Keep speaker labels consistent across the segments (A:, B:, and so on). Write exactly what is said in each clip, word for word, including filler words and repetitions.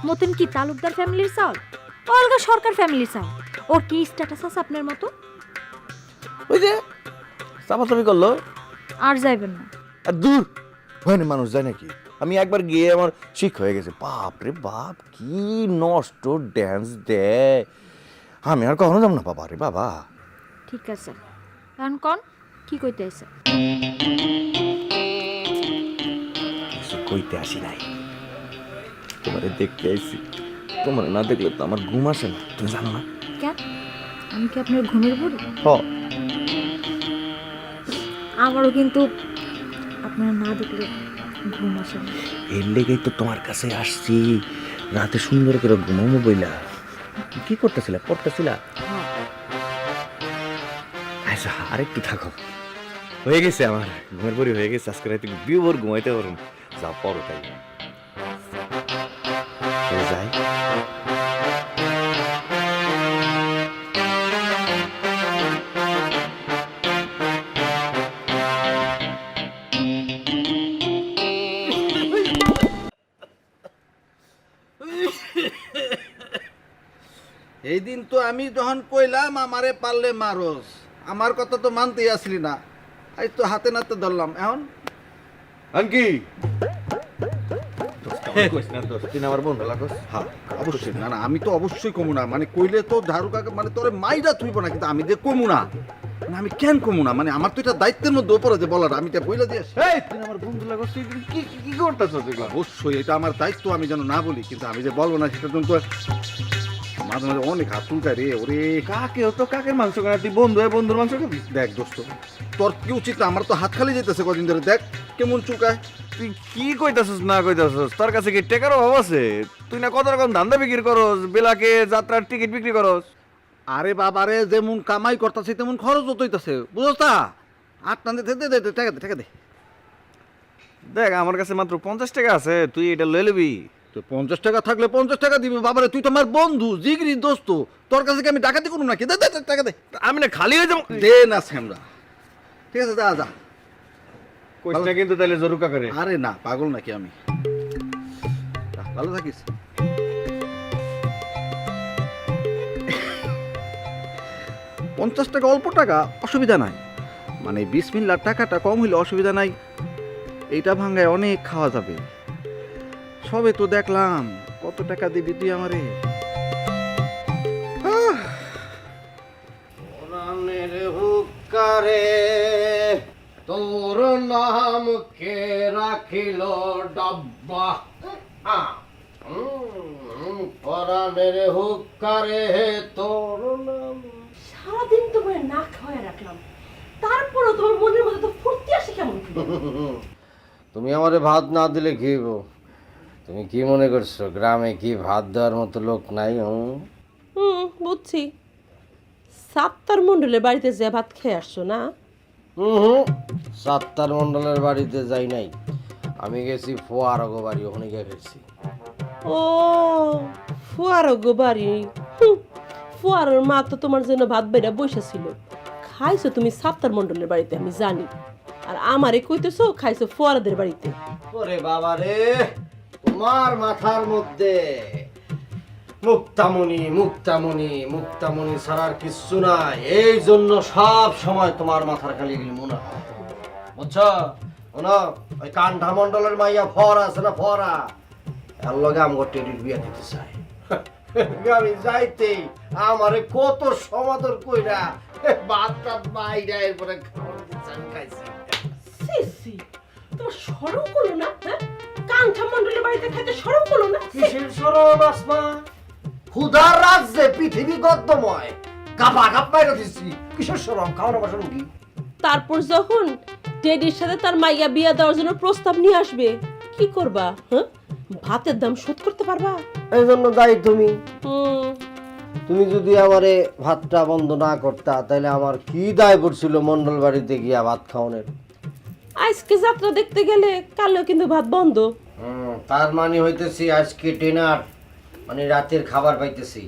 A: মতন কি তালুকদার ফ্যামিলির চাউল, অলগা সরকার ফ্যামিলির চাউল। ওর কি স্ট্যাটাস আছে আপনার মতো?
B: ওই যে চাপাচাপি করলো
A: আর যাইবেন না।
B: আর দূর হয় না, মানুষ যায় নাকি? আমি একবার গিয়ে আমার শিখ হয়ে গেছে। বাপ রে বাপ, কি নষ্ট ড্যান্স দেয়, আমি আর কখনো যাব না বাবা রে বাবা।
A: ঠিক আছে, এখন কোন কি কইতে আছে?
B: কিছু কইতে আসি নাই, তোমারে দেখতে আইছি। তোমার না দেখলে তো আমার ঘুম আসে না, তুমি জানো না?
A: কেন, আমি কি আপনার ঘুমের বুড়ি?
B: হ,
A: আমারও কিন্তু আপনার না দেখলে ঘুম আসে না।
B: এর লেগেই তো তোমার কাছে আসছি, রাতে সুন্দর করে ঘুমাবো বইলা। কি করতেছিলা? পড়তেছিলা?
A: হ্যাঁ।
B: আচ্ছা আর একটু থাকো, হয়ে গেছে আমার ঘুমের পরি হয়ে গেছে। আজকে রাতে বিয়ে ভোর ঘুমাইতে পারো, যা পড়ো তাই যাই।
C: এই দিন তো আমি যখন কইলাম আমারে পারলে মারস, আমার কথা তো মানতেই আসলি না। আজ তো হাতে নাতে ধরলাম, এখন
B: আনকি তুই আমার বন্ধু লাগস?
C: হ্যাঁ অবশ্যই, না না আমি তো অবশ্যই কমু না, মানে কইলে তো ঝাড়ু কাকা মানে তোরে মাইরা তুইব না, কিন্তু আমি যে কমু না, মানে আমি কেন কমু না, মানে আমার তো এটা দায়িত্বের মধ্যে ওপরে যে বলার, আমি এটা বইলা দিয়ে আসি।
B: এই তুই আমার বন্ধু লাগস, তুই কি কি করতেছস এগুলা?
C: অবশ্যই এটা আমার দায়িত্ব, আমি যেন না বলি, কিন্তু আমি যে বলবো না সেটা তো মাঝে মাঝে অনেক হাত চুলকায় রে। ওরে
B: কাকে তো কাকের মাংস কেনা, তুই বন্ধু হয় বন্ধুর মাংস খাবি?
C: দেখ দোস্ত, তোর কি উচিত না? আমার তো হাত খালি যেতেছে কদিন ধরে, দেখ কেমন চুলকায়।
B: তুই কি কইতাছস না কইতাছস? তোর কাছে কি টাকার অভাব আছে? তুই না কত রকম ধান্দা বিক্রি করস, বেলাকে যাত্রার টিকিট বিক্রি করস।
C: আরে বাবারে, যেমন কামাই করতেছে তেমন খরচ হইতেছে, বুঝছ তা? আট টান দে দে দে টাকা দে টাকা দে।
B: দেখ আমার কাছে মাত্র পঞ্চাশ টাকা আছে, তুই এটা লয়ে নিবি।
C: তো পঞ্চাশ টাকা থাকলে পঞ্চাশ টাকা দিবি বাবারে, তুই তো আমার বন্ধু জিগরি দোস্ত, তোর কাছে কি আমি ডাকাতি করুন নাকি? দে দে দে, টাকা দে।
B: আমি না খালি হয়ে যাবো।
C: দে না শ্যামরা, ঠিক আছে যা যা।
B: কইস না কিন্তু তাহলে জরুর কাকারে।
C: আরে না, পাগল নাকি আমি? যা, ভালো থাকিস। পঞ্চাশ টাকা অল্প টাকা, অসুবিধা নাই, মানে বিশ মিল্লার টাকাটা কম হইলে অসুবিধা নাই, এইটা ভাঙ্গায় অনেক খাওয়া যাবে। সবে তো দেখলাম, কত টাকা দিবি তুই আমারে? আহ!
D: কোরআনের হুক্কারে তোর নাম কে রাখিল ডাব্বা। কোরআনের হুক্কারে তোর নাম।
E: সারাদিন তোমার না খাওয়াই রাখলাম, তারপরও তোমার মনের মধ্যে তো ফুর্তি আসে কেমন করে?
D: তুমি আমারে ভাত না দিলে খেয়েব? তুমি কি মনে করছো গ্রামে কি ভাত দেওয়ার মতো লোক নাই? হুম
E: হুম, বুঝছি। সাত্তার মন্ডলের বাড়িতে যে ভাত খেয়ে আসছো না?
D: হুম সাত্তার মন্ডলের বাড়িতে যাই নাই, আমি গেছি ফোয়ারগো বাড়ি, ওখানে গিয়ে খেয়েছি।
E: ও ফুয়ারগো বাড়ি। হুম, ফুয়ারের মা তো তোমার জন্য ভাত বেড়া বসেছিল, খাইছো তুমি সাত্তার মন্ডলের বাড়িতে আমি জানি, আর আমারে কইতেছো খাইছো ফুয়ারাদের বাড়িতে।
D: ওরে বাবা রে, তোমার মাথার মধ্যে মুক্তামণি মুক্তামণি মুক্তামণি ছাড়ার কিচ্ছু নাই, এই জন্য সব সময় তোমার মাথার খালি মনে হয়, বুঝছো? শোনো, ওই কান্ঠা মন্ডলের মাইয়া ফরা আছে না, ফরা, এর লগে আমার টেডির বিয়ে দিতে চাই। আমি যাইতেই আমারে কত সমাদর কইরা ভাত টাত বাইরে এরপরে খাওয়ার দিচ্ছে, আমি খাইছি।
E: সি সি, তোমার শরম করলো না? হ্যাঁ, কাঙ্ক্ষা মন্ডলের বাড়িতে খাইতে শরম করলো না? ছি!
D: কিসের শরম আসমা? ক্ষুধার রাজ্যে পৃথিবী গদ্যময়, কাপা কাপ মাইরা দিচ্ছি, কিসের শরম? খাওয়ানো বাসন কি?
E: তারপর যখন টেডির সাথে তার মাইয়া বিয়া দেওয়ার জন্য প্রস্তাব নিয়ে আসবে, কি করবা? হ্যাঁ, ভাতের দাম শোধ করতে পারবা?
D: এই জন্য দায়ী তুমি।
E: হুম,
D: তুমি যদি আমারে ভাতটা বন্ধ না করতা, তাহলে আমার কি দায় পড়ছিল মন্ডল বাড়িতে গিয়া ভাত খাওয়ানোর?
E: আজকে যাত্রা দেখতে গেলে কালও কিন্তু ভাত বন্ধ।
D: হুম, তার মানে হইতেছি আজকে ডিনার মানে রাতের খাবার পাইতেছি।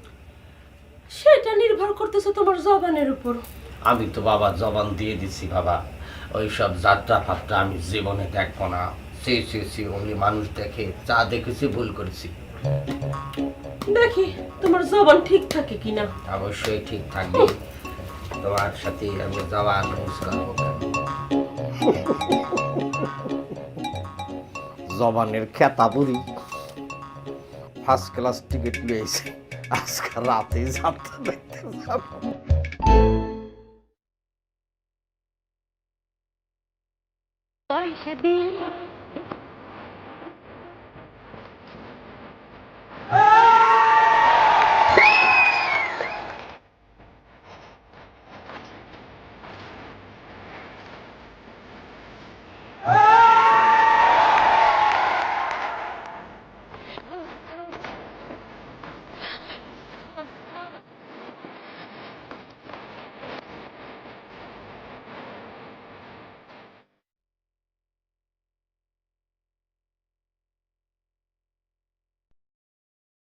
E: সেটা নির্ভর করতেছে তোমার জবানের উপর।
D: আমি তো বাবা জবান দিয়ে দিছি বাবা, ওইসব যাত্রা ফাত্রা আমি জীবনে দেখবো না। সে সে সে ওই মানুষ দেখে যা দেখেছি ভুল করেছি।
E: দেখি তোমার জবান ঠিক থাকে কিনা।
D: অবশ্যই ঠিক থাকবে, তোমার সাথে আমি যাওয়া নিউজ করবো। জবানের খেতা বুড়ি ফার্স্ট ক্লাস টিকিট পেয়েছে, আজকে রাতে যাত্রা দেখতে যাবো।